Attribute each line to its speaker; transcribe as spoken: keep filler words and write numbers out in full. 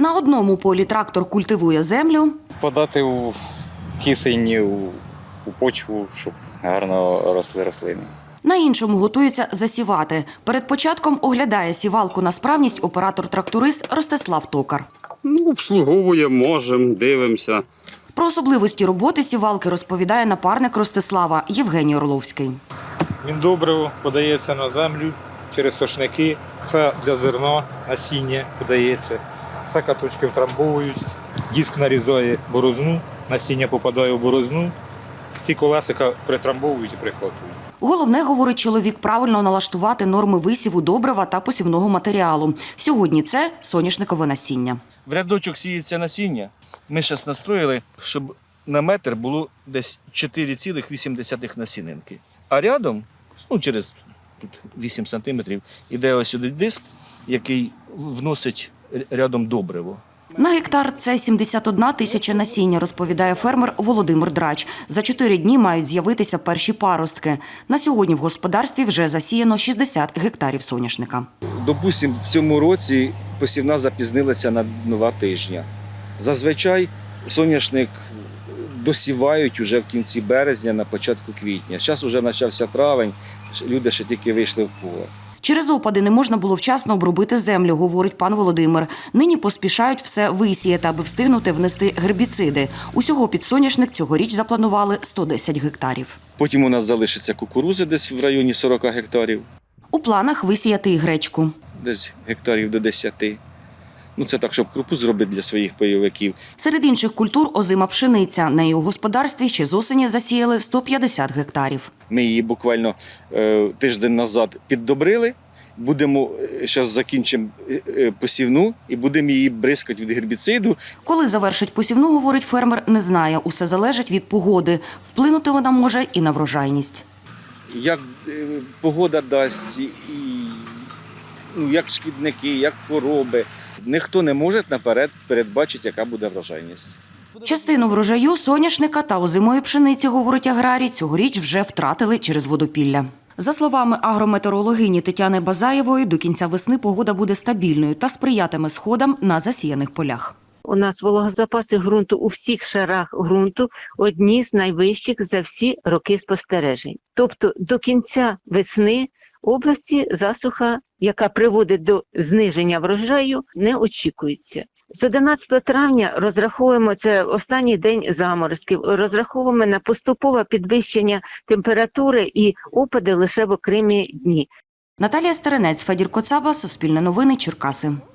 Speaker 1: На одному полі трактор культивує землю.
Speaker 2: Подати у кисень, у, у почву, щоб гарно росли рослини.
Speaker 1: На іншому готується засівати. Перед початком оглядає сівалку на справність оператор-тракторист Ростислав Токар.
Speaker 3: Ну, обслуговуємо, можемо, дивимося.
Speaker 1: Про особливості роботи сівалки розповідає напарник Ростислава Євгеній Орловський.
Speaker 4: Міндобриво подається на землю через сошники. Це для зерна, насіння подається. Це каточки втрамбовують. Диск нарізає борозну, насіння попадає в борозну. Ці колесика притрамбовують і прикладують.
Speaker 1: Головне, говорить чоловік, правильно налаштувати норми висіву добрива та посівного матеріалу. Сьогодні це соняшникове насіння.
Speaker 5: В рядочок сіється насіння. Ми зараз настроїли, щоб на метр було десь чотири цілих вісім десятих насінинки. А рядом, ну через тут вісім сантиметрів, іде ось сюди диск, який вносить рядом добриво.
Speaker 1: На гектар – це сімдесят одна тисяча насіння, розповідає фермер Володимир Драч. За чотири дні мають з'явитися перші паростки. На сьогодні в господарстві вже засіяно шістдесят гектарів соняшника.
Speaker 6: Допустимо, в цьому році посівна запізнилася на два тижні. Зазвичай соняшник досівають уже в кінці березня, на початку квітня. Зараз вже почався травень, люди ще тільки вийшли в поле.
Speaker 1: Через опади не можна було вчасно обробити землю, говорить пан Володимир. Нині поспішають все висіяти, аби встигнути внести гербіциди. Усього під соняшник цьогоріч запланували сто десять гектарів.
Speaker 6: Потім у нас залишиться кукурузи десь в районі сорок гектарів,
Speaker 1: У планах висіяти і гречку.
Speaker 6: десь гектарів до десяти. Ну, це так, щоб крупу зробити для своїх пайовиків.
Speaker 1: Серед інших культур озима пшениця. Неї у господарстві ще з осені засіяли сто п'ятдесят гектарів.
Speaker 6: Ми її буквально е, тиждень назад піддобрили. Будемо, зараз закінчимо е, посівну і будемо її бризкати від гербіциду.
Speaker 1: Коли завершить посівну, говорить фермер, не знає. Усе залежить від погоди. Вплинути вона може і на врожайність.
Speaker 6: Як е, погода дасть, і, ну, як шкідники, як хвороби. Ніхто не може наперед передбачити, яка буде врожайність.
Speaker 1: Частину врожаю соняшника та озимої пшениці, говорить аграрій, цьогоріч вже втратили через водопілля. За словами агрометеорологині Тетяни Базаєвої, до кінця весни погода буде стабільною та сприятиме сходам на засіяних полях.
Speaker 7: У нас вологозапаси ґрунту у всіх шарах ґрунту одні з найвищих за всі роки спостережень. Тобто до кінця весни області засуха, яка приводить до зниження врожаю, не очікується. З одинадцятого травня розраховуємо, це останній день заморозків, розраховуємо на поступове підвищення температури і опади лише в окремі дні.
Speaker 1: Наталія Старинець, Федір Коцаба, Суспільне новини, Черкаси.